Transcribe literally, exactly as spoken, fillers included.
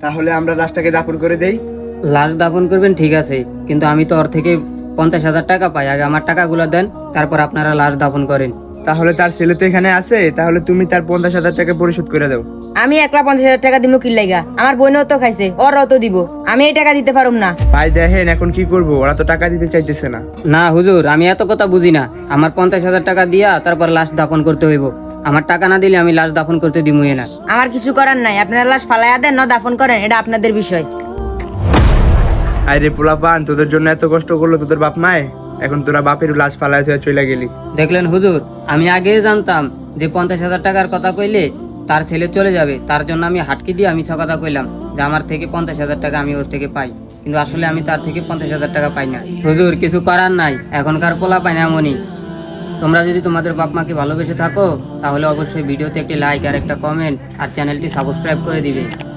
তাহলে আমরা লাশটাকে দাফন করে দেই। লাশ দাফন করবেন ঠিক আছে, কিন্তু আমি তো ওর থেকে পঞ্চাশ হাজার টাকা পাই। আগে আমার টাকাগুলো দেন, তারপর আপনারা লাশ দাফন করেন। তাহলে তার ছেলে তো এখানে আছে, তাহলে তুমি তার পঞ্চাশ হাজার টাকা পরিশোধ করে দাও। আমি একলা পঞ্চাশ হাজার টাকা দিব কি লাইগা? আমার বোনও তো খাইছে, ওরও তো দিব। আমি এই টাকা দিতে পারুম না। ভাই দেখেন এখন কি করব, ওরা তো টাকা দিতে চাইতেছে না। না হুজুর, আমি এত কথা বুঝি না। আমার পঞ্চাশ হাজার টাকা দিয়া তারপর লাশ দাফন করতে হইব। আমার টাকা না দিলে আমি লাশ দাফন করতে দিমুই না। আমার কিছু করার নাই, আপনারা লাশ ফালাইয়া দেন না দাফন করেন, এটা আপনাদের বিষয়। আরে পোলাপান, তোদের জন্য এত কষ্ট করলো তোদের বাপ মায়, এখন তোরা বাপের লাশ ফালায় হয়ে চলে গেলি। দেখলেন হুজুর, আমি আগে জানতাম যে পঞ্চাশ হাজার টাকার কথা কইলে তার ছেলে চলে যাবে, তার জন্য আমি হাটকি দিয়ে আমি কথা কইলাম যে আমার থেকে পঞ্চাশ হাজার টাকা আমি ওর থেকে পাই, কিন্তু আসলে আমি তার থেকে পঞ্চাশ হাজার টাকা পাই না। হুজুর, কিছু করার নাই, এখনকার পোলা পাই না এমনই। তোমরা যদি তোমাদের বাপ মাকে ভালোবেসে থাকো তাহলে অবশ্যই ভিডিওতে একটি লাইক আর একটা কমেন্ট আর চ্যানেলটি সাবস্ক্রাইব করে দিবে।